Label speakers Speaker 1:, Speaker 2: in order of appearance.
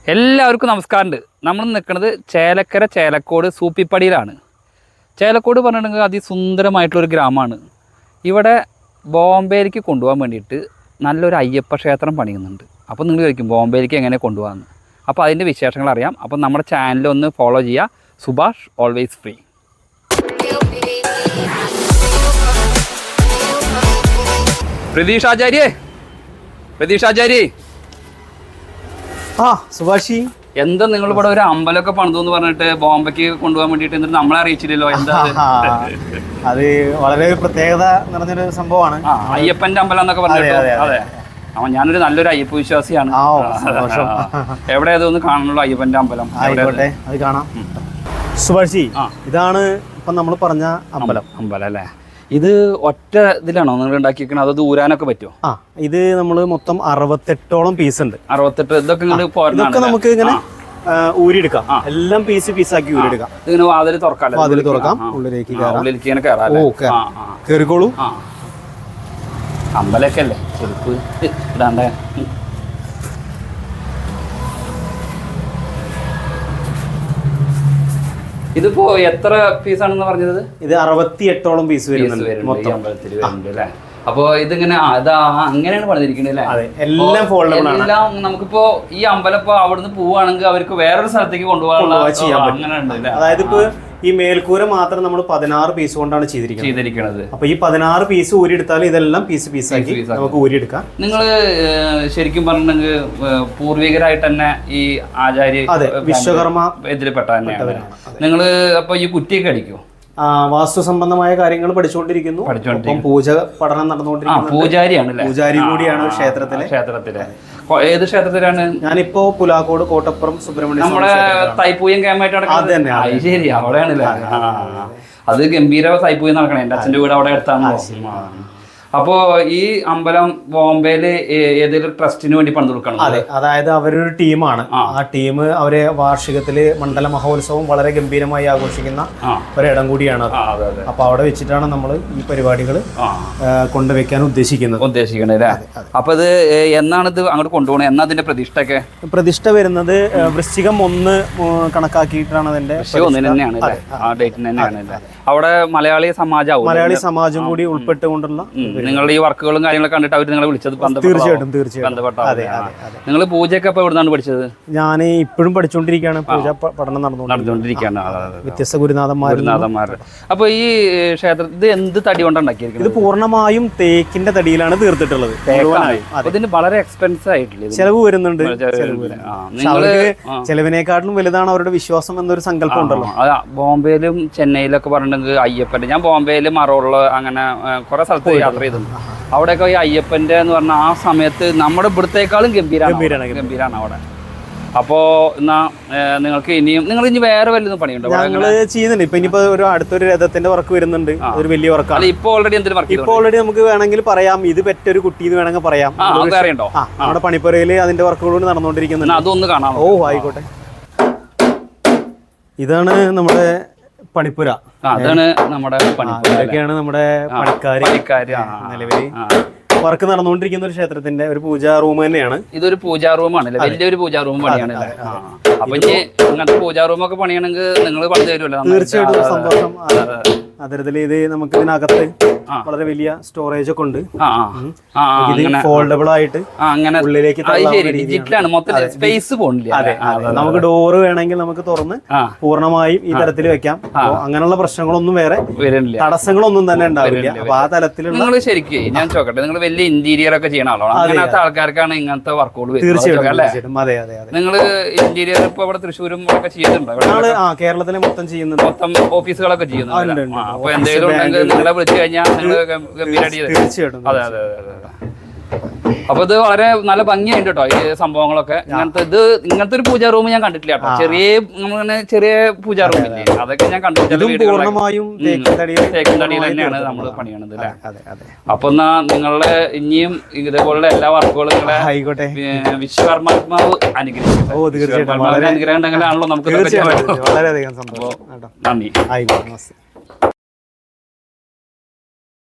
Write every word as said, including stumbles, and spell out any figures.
Speaker 1: എല്ലാവർക്കും നമസ്കാരമുണ്ട്. നമ്മൾ നിൽക്കുന്നത് ചേലക്കര ചേലക്കോട് സൂപ്പിപ്പടിയിലാണ്. ചേലക്കോട് പറഞ്ഞിട്ടുണ്ടെങ്കിൽ അതിസുന്ദരമായിട്ടുള്ളൊരു ഗ്രാമമാണ്. ഇവിടെ ബോംബെയിലേക്ക് കൊണ്ടുപോകാൻ വേണ്ടിയിട്ട് നല്ലൊരു അയ്യപ്പ ക്ഷേത്രം പണിയുന്നുണ്ട്. അപ്പോൾ നിങ്ങൾ ചോദിക്കും ബോംബെയിലേക്ക് എങ്ങനെ കൊണ്ടുപോകാമെന്ന്. അപ്പോൾ അതിൻ്റെ വിശേഷങ്ങൾ അറിയാം. അപ്പോൾ നമ്മുടെ ചാനലൊന്ന് ഫോളോ ചെയ്യുക. Subhash always free. പ്രതീഷ് ആചാര്യേ പ്രതീഷ് ആചാര്യേ
Speaker 2: ആ സുഭാഷി,
Speaker 1: എന്താ നിങ്ങൾ ഇവിടെ ഒരു അമ്പലമൊക്കെ പണിതു എന്ന് പറഞ്ഞിട്ട് ബോംബെക്ക് കൊണ്ടുപോകാൻ വേണ്ടിട്ട് എന്നിട്ട് നമ്മളെ അറിയിച്ചില്ലല്ലോ? എന്താ
Speaker 2: അത് വളരെ ഒരു പ്രത്യേകത നിറഞ്ഞൊരു സംഭവമാണ്.
Speaker 1: അയ്യപ്പന്റെ അമ്പലം എന്നൊക്കെ പറഞ്ഞിട്ട്. അതെ, അവൻ ഞാനൊരു നല്ലൊരു അയ്യപ്പ വിശ്വാസിയാണ്. എവിടെ അതൊന്ന് കാണണല്ലോ അയ്യപ്പന്റെ അമ്പലം.
Speaker 2: ആയിക്കോട്ടെ, അത് കാണാം. സുഭാഷി, ഇതാണ് ഇപ്പൊ നമ്മൾ പറഞ്ഞ അമ്പലം.
Speaker 1: അമ്പലം അല്ലേ? ഇത് ഒറ്റ ഇതിലാണോ നിങ്ങൾ ഉണ്ടാക്കിയിരിക്കണത്? അത് ദൂരാനൊക്കെ പറ്റുമോ?
Speaker 2: ആ, ഇത് നമ്മള് മൊത്തം അറുപത്തെട്ടോളം പീസ് ഉണ്ട്.
Speaker 1: അറുപത്തെട്ട് ഇതൊക്കെ
Speaker 2: ഇതൊക്കെ നമുക്ക് ഇങ്ങനെ ഊരിയെടുക്കാം. എല്ലാം പീസ് പീസാക്കി ഊരിയെടുക്കാം.
Speaker 1: ഇതിങ്ങനെ വാതിൽ തുറക്കാം.
Speaker 2: വാതിൽ തുറക്കാം, ഉള്ളിലേക്ക്
Speaker 1: ഉള്ളിലേക്ക് ഇങ്ങനെ കയറാം.
Speaker 2: കയറിക്കോളൂ.
Speaker 1: അമ്പലമൊക്കെ അല്ലേ, ചെരുപ്പ് ഇടാണ്ടേ. ഇതിപ്പോ എത്ര പീസാണെന്ന് പറഞ്ഞത്? ഇത്
Speaker 2: അറുപത്തി എട്ടോളം പീസ് വരുന്നുണ്ട്
Speaker 1: അമ്പലത്തിൽ വരുന്നുണ്ട് അല്ലേ? അപ്പൊ ഇതിങ്ങനെ അതാ അങ്ങനെയാണ് പണിതിരിക്കുന്നത് അല്ലേ?
Speaker 2: എല്ലാം ഫോൾഡബിൾ ആണ്.
Speaker 1: എല്ലാം നമുക്കിപ്പോ ഈ അമ്പലം ഇപ്പൊ അവിടുന്ന് പോവുകയാണെങ്കിൽ അവർക്ക് വേറൊരു സ്ഥലത്തേക്ക് കൊണ്ടുപോകാനുള്ള അങ്ങനെ ഉണ്ട് അല്ലേ?
Speaker 2: അതായത് ഇപ്പൊ ഈ മേൽക്കൂര മാത്രം നമ്മൾ പതിനാറ് പീസ് കൊണ്ടാണ് ചെയ്തിരിക്കുന്നത്. അപ്പൊ ഈ പതിനാറ് പീസ് ഊരിയെടുത്താൽ ഇതെല്ലാം പീസ് പീസാക്കി നമുക്ക് ഊരിയെടുക്കാം.
Speaker 1: നിങ്ങള് ശരിക്കും പറഞ്ഞിട്ടുണ്ടെങ്കിൽ പൂർവികരായിട്ട് തന്നെ ഈ ആചാര്യ
Speaker 2: വിശ്വകർമ്മ
Speaker 1: ഇതിൽപ്പെട്ട തന്നെയാണ് നിങ്ങള്. അപ്പൊ ഈ കുറ്റിയൊക്കെ അടിക്കുമോ?
Speaker 2: വാസ്തു സംബന്ധമായ കാര്യങ്ങൾ പഠിച്ചുകൊണ്ടിരിക്കുന്നു. പൂജ പഠനം നടന്നുകൊണ്ടിരിക്കുന്നു.
Speaker 1: പൂജാരിയാണ്,
Speaker 2: പൂജാരി കൂടിയാണ് ക്ഷേത്രത്തിലെ.
Speaker 1: ക്ഷേത്രത്തിലെ ഏത് ക്ഷേത്രത്തിലാണ്?
Speaker 2: ഞാനിപ്പോ പുലാക്കോട് കോട്ടപ്പുറം സുബ്രഹ്മണ്യ
Speaker 1: നമ്മുടെ തൈപ്പൂയം ക്യാമ്പായിട്ട്. ശരി, അവിടെയാണല്ലേ? അത് ഗംഭീര തൈപ്പൂയം നടക്കണേ. എന്റെ അച്ഛന്റെ വീട് അവിടെ അടുത്താണ്. അപ്പോ ഈ അമ്പലം ബോംബെയില് ഏതെങ്കിലും ട്രസ്റ്റിന് വേണ്ടി പണിത് കൊടുക്കണം.
Speaker 2: അതെ, അതായത് അവരൊരു ടീമാണ്. ആ ടീം അവരെ വാർഷികത്തില് മണ്ഡല മഹോത്സവം വളരെ ഗംഭീരമായി ആഘോഷിക്കുന്ന ഒരിടം കൂടിയാണ്. അപ്പൊ അവിടെ വെച്ചിട്ടാണ് നമ്മൾ ഈ പരിപാടികൾ കൊണ്ടുവയ്ക്കാൻ ഉദ്ദേശിക്കുന്നത്
Speaker 1: ഉദ്ദേശിക്കുന്നത് അപ്പൊ ഇത് എന്നാണ് ഇത് അങ്ങോട്ട് കൊണ്ടുപോകണത്? എന്നാ അതിന്റെ പ്രതിഷ്ഠയൊക്കെ?
Speaker 2: പ്രതിഷ്ഠ വരുന്നത് വൃശ്ചികം ഒന്ന് കണക്കാക്കിയിട്ടാണ് അതിന്റെ
Speaker 1: തന്നെയാണ്. ആ ഡേറ്റിന് തന്നെയാണ്. അവിടെ മലയാളി സമാജം
Speaker 2: മലയാളി സമാജം കൂടി ഉൾപ്പെട്ടുകൊണ്ടുള്ള
Speaker 1: നിങ്ങളുടെ ഈ വർക്കുകളും കാര്യങ്ങളൊക്കെ കണ്ടിട്ട് അവർ നിങ്ങളെ വിളിച്ചത്?
Speaker 2: തീർച്ചയായിട്ടും തീർച്ചയായിട്ടും.
Speaker 1: നിങ്ങൾ പൂജയൊക്കെ ഇപ്പൊ എവിടുന്നാണ് പഠിച്ചത്?
Speaker 2: ഞാൻ ഇപ്പോഴും പഠിച്ചുകൊണ്ടിരിക്കുകയാണ്. പൂജ പഠനം
Speaker 1: നടന്നുകൊണ്ടിരിക്കുകയാണ്.
Speaker 2: വ്യത്യസ്ത ഗുരുനാഥന്മാർ
Speaker 1: ഗുരുനാഥന്മാർ അപ്പൊ ഈ ക്ഷേത്രത്തിൽ ഇത് എന്ത് തടി കൊണ്ടാണ് ഉണ്ടാക്കിയിരിക്കുന്നത്?
Speaker 2: ഇത് പൂർണ്ണമായും തേക്കിന്റെ തടിയിലാണ് തീർത്തിട്ടുള്ളത്.
Speaker 1: ഇതിന് വളരെ എക്സ്പെൻസ് ആയിട്ടില്ല,
Speaker 2: ചെലവ് വരുന്നുണ്ട്. ചെലവിനേക്കാട്ടിലും വലുതാണ് അവരുടെ വിശ്വാസം എന്നൊരു സങ്കല്പം ഉണ്ടല്ലോ.
Speaker 1: ബോംബെയിലും ചെന്നൈയിലൊക്കെ പറഞ്ഞിട്ടുണ്ടെങ്കിൽ അയ്യപ്പന്റെ, ഞാൻ ബോംബെയിൽ മറോള് അങ്ങനെ കുറെ സ്ഥലത്ത് യാത്ര ചെയ്തിട്ടുണ്ട്. അവിടെയൊക്കെ ഈ അയ്യപ്പന്റെ എന്ന് പറഞ്ഞാൽ ആ സമയത്ത് നമ്മുടെ ഇവിടത്തേക്കാളും ഗംഭീരമാണ് ഗംഭീരാണ് അവിടെ. അപ്പോ എന്നാ നിങ്ങൾക്ക് ഇനിയും നിങ്ങൾ ഇനി വേറെ വല്ലതും പണിയുണ്ടോ?
Speaker 2: ഞങ്ങള് ചെയ്യുന്നുണ്ട്. ഇപ്പൊ ഇനിയിപ്പോ ഒരു അടുത്തൊരു രഥത്തിന്റെ വർക്ക് വരുന്നുണ്ട്. ഒരു വലിയ വർക്കാണ്.
Speaker 1: ഇപ്പൊ ഓൾറെഡി എന്തെങ്കിലും വർക്ക്?
Speaker 2: ഇപ്പൊ ഓൾറെഡി നമുക്ക് വേണമെങ്കിൽ പറയാം, ഇത് പെറ്റൊരു കുട്ടി എന്ന് വേണമെങ്കിൽ പറയാം.
Speaker 1: അറിയണ്ടോ?
Speaker 2: നമ്മുടെ പണിപ്പുരയില് അതിന്റെ വർക്കുകളോട് നടന്നുകൊണ്ടിരിക്കുന്നുണ്ട്.
Speaker 1: അതൊന്ന് കാണാം.
Speaker 2: ഓ ആയിക്കോട്ടെ. ഇതാണ് നമ്മുടെ പണിപ്പുര.
Speaker 1: അതാണ് നമ്മുടെ
Speaker 2: ഇതൊക്കെയാണ് നമ്മുടെ പണിക്കാര് നിലവില് വർക്ക് നടന്നുകൊണ്ടിരിക്കുന്ന ഒരു ക്ഷേത്രത്തിന്റെ ഒരു പൂജാ റൂം തന്നെയാണ്.
Speaker 1: ഇതൊരു പൂജാ റൂമാണ്, വലിയൊരു പൂജാ റൂം പണിയാണ്. അപ്പൊ ഇനി ഇങ്ങനത്തെ പൂജാ റൂമൊക്കെ പണിയണമെങ്കിൽ നിങ്ങൾ പണിത് തരുമല്ലോ?
Speaker 2: തീർച്ചയായിട്ടും സന്തോഷം. അത്തരത്തില് ഇത് നമുക്ക് ഇതിനകത്ത് വളരെ വലിയ സ്റ്റോറേജ് ഒക്കെ ഉണ്ട്. ഫോൾഡബിൾ ആയിട്ട് ഉള്ളിലേക്ക്
Speaker 1: സ്പേസ് പോണില്ല.
Speaker 2: അതെ, നമുക്ക് ഡോറ് വേണമെങ്കിൽ നമുക്ക് തുറന്ന് പൂർണ്ണമായും ഈ തരത്തിൽ വെക്കാം. അങ്ങനെയുള്ള പ്രശ്നങ്ങളൊന്നും വേറെ തടസ്സങ്ങളൊന്നും തന്നെ ഉണ്ടാവില്ല. അപ്പൊ ആ തലത്തിലുള്ള
Speaker 1: നിങ്ങൾ ശരിക്കും ഞാൻ ചോക്കട്ടെ, നിങ്ങൾ വലിയ ഇന്റീരിയർ ഒക്കെ ചെയ്യണ ആളാണ്. അങ്ങനത്തെ ആൾക്കാർക്കാണ് ഇങ്ങനത്തെ വർക്കുകൾ.
Speaker 2: തീർച്ചയായിട്ടും. അതെ അതെ അതെ.
Speaker 1: നിങ്ങൾ ഇന്റീരിയർ ഇപ്പൊ ഇവിടെ തൃശ്ശൂരും ഒക്കെ ചെയ്യുന്നുണ്ടോ?
Speaker 2: കേരളത്തിലെ മൊത്തം ചെയ്യുന്നുണ്ട്.
Speaker 1: മൊത്തം ഓഫീസുകളൊക്കെ ചെയ്യുന്നുണ്ട്. അപ്പൊ എന്തെങ്കിലും ഉണ്ടെങ്കിൽ നിങ്ങളെ വിളിച്ചു കഴിഞ്ഞാൽ നിങ്ങൾ ഗംഭീരമായിട്ട് ചെയ്ത്.
Speaker 2: തീർച്ചയായിട്ടും.
Speaker 1: അതെ അതെ അതെ അതെ. അപ്പൊ ഇത് വളരെ നല്ല ഭംഗിയായിട്ട് കേട്ടോ ഈ സംഭവങ്ങളൊക്കെ. ഇങ്ങനത്തെ ഇത് ഇങ്ങനത്തെ ഒരു പൂജാ റൂം ഞാൻ കണ്ടിട്ടില്ല കേട്ടോ. ചെറിയ നമ്മളിങ്ങനെ ചെറിയ പൂജാ റൂം ഇല്ലേ, അതൊക്കെ ഞാൻ കണ്ടിട്ടില്ല.
Speaker 2: പൂർണ്ണമായും
Speaker 1: തേക്കും തടിയിൽ തന്നെയാണ് നമ്മൾ പണിയണത് അല്ലേ? അപ്പൊ എന്നാ നിങ്ങളുടെ ഇനിയും ഇതേപോലുള്ള എല്ലാ വർക്കുകളും നിങ്ങളെ
Speaker 2: ആയിക്കോട്ടെ
Speaker 1: വിശ്വകർമാത്മാവ് അനുഗ്രഹിക്കും. അനുഗ്രഹം ഉണ്ടെങ്കിലാണല്ലോ നമുക്ക്.
Speaker 2: വളരെയധികം സന്തോഷം.
Speaker 1: നന്ദി.
Speaker 2: ആയിക്കോട്ടെ.